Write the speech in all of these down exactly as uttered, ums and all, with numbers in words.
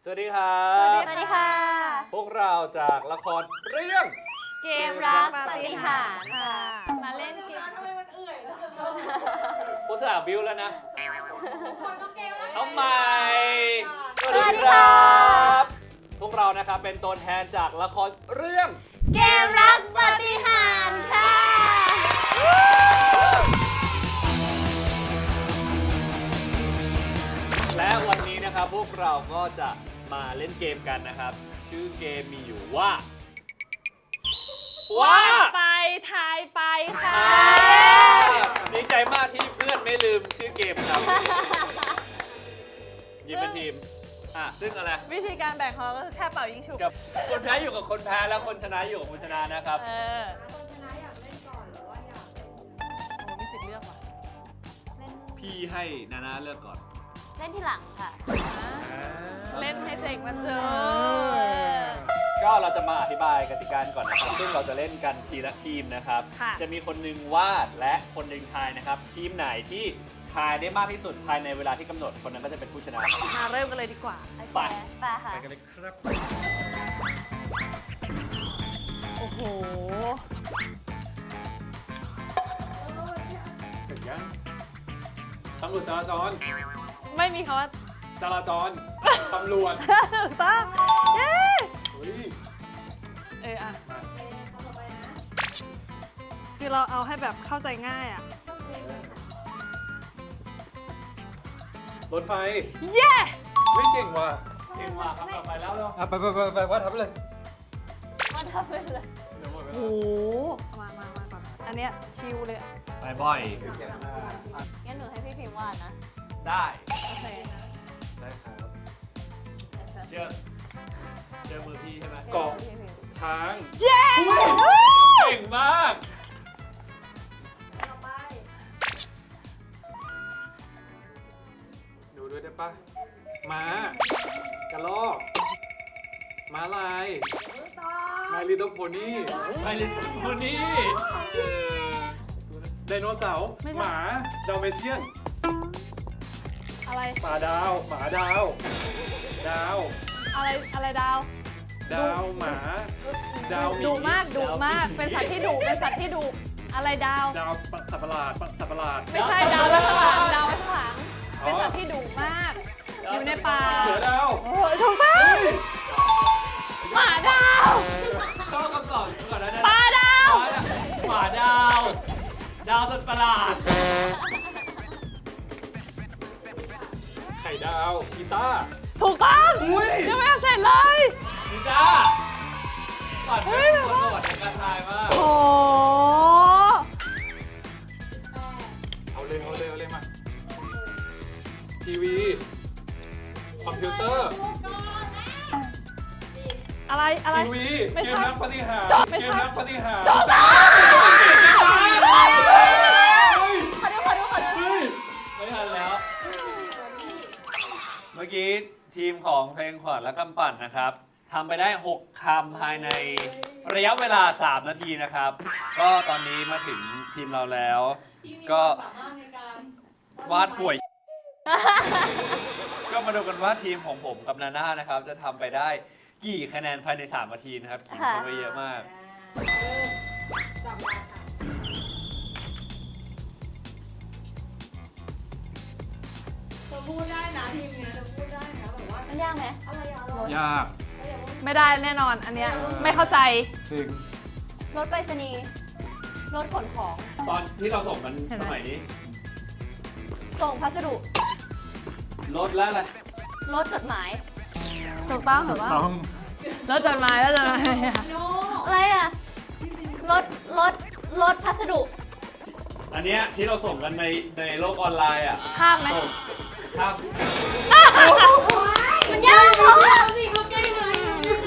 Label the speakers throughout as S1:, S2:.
S1: วัสดีครับ
S2: สวัสดีค่ะ
S1: พวกเราจากละครเรื่อง
S2: เกมรักปาฏิหาริย์ค่ะมาเล่นเกม
S3: ทำไมมันเอื่อยแล้ว
S1: อุตส่าห์บิวแล้วนะ
S3: คนต้องเกมแล้ว
S1: เอาใหม่
S2: สวัสดีค่ะ
S1: พวกเรานะครับเป็นตัวแทนจากละครเรื่อง
S2: เกมรักปาฏิหาริย์ค่ะ
S1: และวันนี้นะครับพวกเราก็จะมาเล่นเกมกันนะครับ ชื่อเกมมีอยู่ว่าว่า
S2: ไปทายไปค่ะ
S1: อ่าดีใจมากที่เพื่อนไม่ลืมชื่อเกมครับยิมเป็นทีมอ่ะซึ่งอะไร
S2: วิธีการแบ่งของเราก็คือแค่เป่ายิงฉุบ
S1: กับคนแพ้อยู่กับคนแพ้แล้วคนชนะอยู่กับคนชนะนะครับ
S2: เออ
S3: คนชนะอยากเล่นก่อนหรือว่าอยากเล่น
S2: โอ้มีสิทธิ์เลือกว่ะ
S1: พี่ให้นานาเลือกก่อน
S2: เล่นที่หลังค่ะ เล่นให้เจ๋งมันเจอ
S1: ก็เราจะมาอธิบายกติกาก่อนนะครับซึ่งเราจะเล่นกันทีละทีมนะครับ
S2: ค่ะ
S1: จะมีคนหนึงวาดและคนหนึงทายนะครับ ทีมไหนที่ทายได้มากที่สุดภายในเวลาที่กำหนดคนนั้นก็จะเป็นผู้ชนะ
S2: มาเริ่มกันเลยดีกว่า
S1: ไป
S2: ไปค่ะ
S1: ไปกันเลยครับ
S2: โอ้โห
S1: ถึงยังตำรวจจราจร
S2: ไม่มีคำว่า
S1: จราจรตำรวจ
S2: ถูกต้องเย้
S1: เฮ้ย
S2: เอออ่ะ
S1: มา
S3: เขาต่อไปนะ
S2: คือเราเอาให้แบบเข้าใจง่ายอ่ะ
S1: รถไฟ
S2: เย้
S1: ไม่เก่งว่ะเก่งว่ะครับต่อไปแล้วเนาะ
S4: อ่ะไปไปไปไปว่าทำไปเลย
S2: มันทำไปเลย
S1: เดี๋ยวหมดเว
S2: โอ้
S1: ลา
S2: โหมามามาก่อน อันเนี้ยชิลเลยอะ
S1: ไปบ่อย
S2: งั้นหนูให้พี่พิมพ์วาดนะ
S1: ได้
S2: โอเค
S1: ได้ครับเจอเจอมือพี่ใช่ไหม
S2: เกาะ
S1: เกาะช้าง
S2: เย้
S1: เก่งมาก
S3: ต่อไป
S4: ดูด้วยได้ปะม้ากระลอกม้าลาย
S3: ต่อ
S4: มาลิโตโพนี่
S1: ไปลิคนนี้
S4: ไดโนเสาร์หมาดาวเมเชียน
S2: อะไร
S4: หมาดาวหมาดาว ดาว
S2: อะไร อะไรดาว
S4: ดาวหมา ดาวหมี
S2: ดุมากดุมาก เป็นสัตว์ที่ดุเป็นสัตว์ที่ดุอะไรดาว
S4: ดาวสัตว์ประหลาดสัตว์ประหลาด
S2: ไม่ใช่ดาวไว้ข้างหลังดาวไว้ข้างหลัง เป็นสัตว์ที่ดุมาก อยู่ในป่า
S4: เสือดาว
S2: โอ้ยถูกต้องหมาดาว
S1: เข้าคำตอบก่อนนะ
S2: ปลาดาว
S1: หมาดาว ดาวสัตว์ประหลาด
S4: ไข่ดาวกีตาร์
S2: ถูกต้องยังไม่เสร็จเลย
S1: นิจ้าก่อนเป็นคนโหดในการทายมาก
S2: โอ้
S4: เอาเลยเอาเลยเอาเลยมาทีวีคอมพิวเตอร์
S2: อะไรอะไร
S4: ทีวี
S2: ไม่
S4: เก
S2: ใช่
S4: มนักปฏิหาร
S2: ไม่
S4: เก
S2: ใช่
S4: มนักปฏิหาร
S2: ถูกต้อง
S4: เฮ้ย
S2: ขอดูขอดูขอดู
S4: เฮ้ย
S1: ไม่ทันแล้ว เมื่อกี้ทีมของเพลงขวัญและกำปั่นนะครับทำไปได้ หก คำภายในระยะเวลา สาม นาทีนะครับ ก็ตอนนี้มาถึงทีมเราแล้ว ก็
S3: สามารถในการ
S1: วาดห่วย ก็มาดูกันว่าทีมของผมกับนาน่านะครับ จะทำไปได้กี่คะแนนภายใน สาม นาทีนะครับขิงเข้าไปเยอะมาก
S3: จับเวลาค่ะจะพูดได้นะทีมเนี้ยจะพูดได้นะแบบว่า
S2: มันยากไหม
S3: อะไรอะอะไร
S4: ยาก
S2: ไม่ได้แน่นอนอันเนี้ยไม่เข้าใจ
S4: จริง
S2: รถไปรษณีย์รถขนของ
S1: ตอนที่เราส่งกัน
S2: เห็นไหม
S1: สมัยนี้
S2: ส่งพัสดุ
S1: รถแล้วอะไร
S2: รถจดหมาย ถูกต้องถูกต้อง
S4: ต้อง
S2: รถจดหมายรถจดหมาย
S3: โน
S2: อะไรอ่ะ รถ รถ รถพัสดุ
S1: อันเนี้ยที่เราส่งกันในในโลกออนไลน์อ่ะ
S2: ข้ามไหม
S1: ส่งข้าม
S2: มันยากเพราะว่า
S3: สิเขาเก่งเลยคะแนน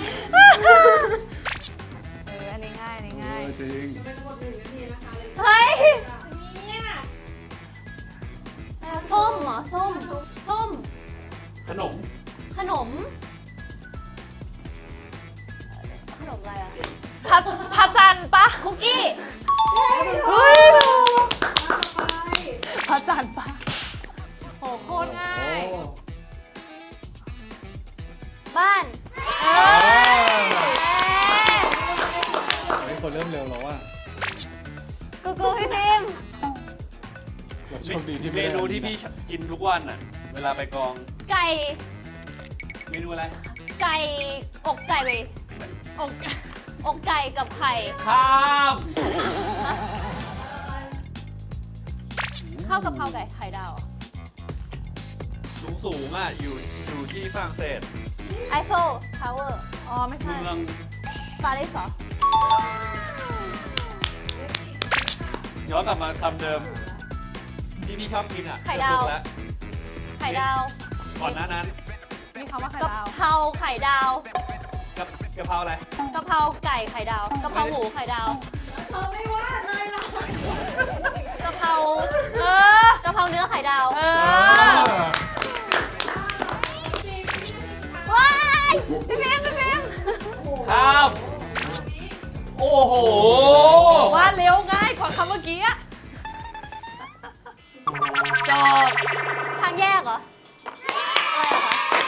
S2: เอออันนี้ง่ายอันนี้ง่าย
S4: จริง
S3: จะเป็นหมดหนึ่งนาทีนะคะเลย
S2: เฮ้ย
S3: เนี่ย
S2: ส้มเหรอ ส้ม ส้ม
S1: ขนม
S2: ขนม ขนมอะไรอ่ะพัดพัดจันปะคุกกี้ เฮ้ย
S3: ต่อไป
S2: พัดจันปะโหโคตรง่าย
S4: โอ้
S2: บ้านเออ
S4: เฮ้ยคนเริ่มเร็วแล้วอ่ะ
S2: กูกูพี่พิมพ์
S4: โชคดีที่
S1: เม
S4: ไม่ได้
S1: นูที่พี่กินทุกวันอ่ะ เวลาไปกอง
S2: ไก่
S1: เมนูอะไร
S2: ไก่อกไก่ไปอกอกไก่กับไข่
S1: ข้าม
S2: ข้าวกะเพราไก่ไข่ดาว
S1: สูงสูงๆอ่ะ อยู่อยู่ที่ฝรั่งเศส
S2: ไอโฟทาวเวอร์อ๋อไม่ใช่
S1: เมือง
S2: ปารีสเหรอ
S1: ย้อนกลับมาคำเดิม ที่พี่ชอบกินอ่ะ
S2: ไข่ดาว
S1: เกือบถูกแล้ว
S2: ไข่ดาว
S1: ก่อนหน้านั้น
S3: มีคำว่าไข่
S2: กะ
S3: ดาว
S2: เพราไข่ดาว
S1: กับกะเพราอะไร
S2: กะเพราไก่ไข่ดาวกะเพราหมูไข่ดาว
S3: เธอไม่ว่าเลยหรอก
S2: กะเพราเออกะเพราเนื้อไข่ดาว
S3: เอ
S4: เอ
S3: อ
S4: อ
S2: ว้ายพี่พิมพ์พี่พิมพ์
S1: ข้าม โอ้โห
S3: ว่าเร็วง่ายกว่าคำเมื่อกี้อะจบ
S2: ทางแยกเหรออะไรเหรอคะ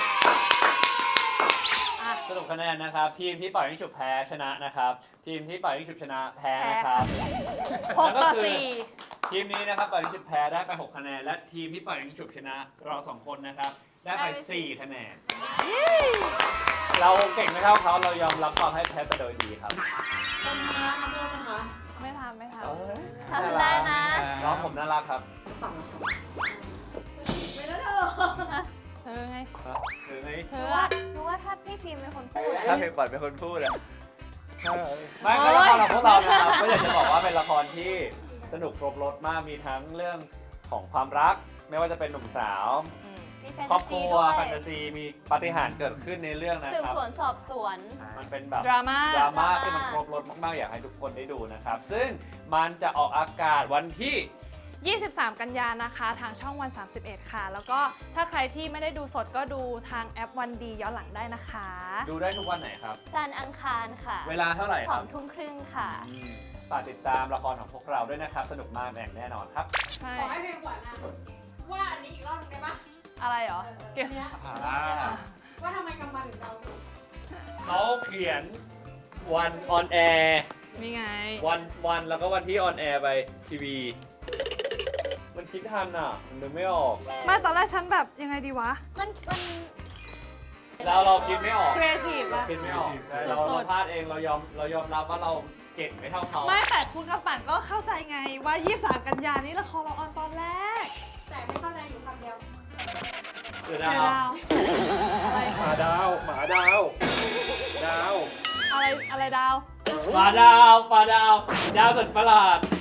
S1: สรุปคะแนนนะครับ ทีมที่ปล่อยยิงฉุบแพ้ชนะนะครับ ทีมที่ปล่อยยิงฉุบชนะแพ้นะครับ
S3: หกต่อสี่
S1: ทีมนี้นะครับปล่อยยิงฉุบแพ้ได้ไปหกคะแนน และทีมที่ปล่อยยิงฉุบชนะเราสองคนนะครับ ได้ไปสี่คะแนน เราเก่งไม่เท่าเขาเรายอมรับความให้แพ้แต่โดยดีครับ
S3: คนมาทำโทษนะคะไม่ทำไม่ท
S2: ทำได้นะ
S1: น้องผมน่ารักครับ
S3: ต่ำไม่ได้เธอ
S2: เธอไง
S1: หรือไง
S3: เธ
S2: หนู
S3: อ
S2: ว่าหนูว่าถ้าพี่พิมพ์เป็นคนพูดอะ
S1: ถ้าเพลงปล่อยเป็นคนพูดอะไม่ไม่ละครของพวกเรานะครับก็อยากจะบอกว่าเป็นละครที่สนุกครบรสมากมีทั้งเรื่องของความรัก ไม่ว่าจะเป็นหนุ่มสาว
S2: มีแฟน
S1: ครอ
S2: ตา
S1: บค
S2: ซี
S1: รัว
S2: ด้วย
S1: แฟนตาซีมีปาฏิหาริย์เกิดขึ้นในเรื่องนะ
S2: สืบ
S1: ครับ
S2: สวนสอบสวน
S1: มันเป็นแบบ
S3: ดราม่า
S1: ดราม่า
S2: ดราม่า
S1: ที่มันครบรสมากๆ อยากให้ทุกคนได้ดูนะครับ ซึ่งมันจะออกอากาศวันที่
S3: ยี่สิบสาม กันยานะคะ ทางช่องวัน สามสิบเอ็ด ค่ะ แล้วก็ถ้าใครที่ไม่ได้ดูสดก็ดูทางแอปวันดีย้อนหลังได้นะคะ
S1: ดูได้ทุกวันไหนครับ
S2: จันทร์อังคารค่ะ
S1: เวลาเท่าไหร่
S2: ส
S1: ค
S2: อ
S1: รั
S2: ง
S1: บ
S2: ทุ่มครึ่งค่ะ
S1: อืมฝากติดตามละครของพวกเราด้วยนะครับ สนุกมากแน่นอนครับ
S3: ใช่
S5: ขอให้เพลงขวัญอะว่าอันนี้อีกรอบหนึงได้ปะ
S3: อะไรเหรอเกี่ยว
S5: เนี้ย
S1: อ่า
S5: ว่าทำไมกำมาถึงเราถูก
S1: เขาเขียนวันออนแอร์
S3: นี่ไง
S1: วันวันแล้วก็วันที่ออนแอร์ไปทีวี มันคิดทันอ่ะ มันนึกไม่ออก
S3: ไม่ตอนแรกฉันแบบยังไงดีวะ
S2: มันมัน
S1: เราเราคิดไม่ออก
S3: ครีเอทีฟอะ
S1: คิดไม่ออกใช่เราเราพลาดเองเรายอมเรายอมรับว่าเราเก่งไม่เท่าเขา
S3: ไม่แต่คุณกับปั่นก็เข้าใจไงว่ายี่สิบสาม กันยานี้ละครเราออนตอนแรก
S5: แต่ไม่เข้าใจอยู่คำเดียว
S1: เดี๋ยว
S3: เดี๋
S1: นะ
S3: ยว
S1: ครับ
S3: ดาวอะไร
S4: หมาดาว หมาดาว ดาว
S3: อะไรอะไรดาว
S1: ปลาดาวปลาดาว ดาวสุดประหลาด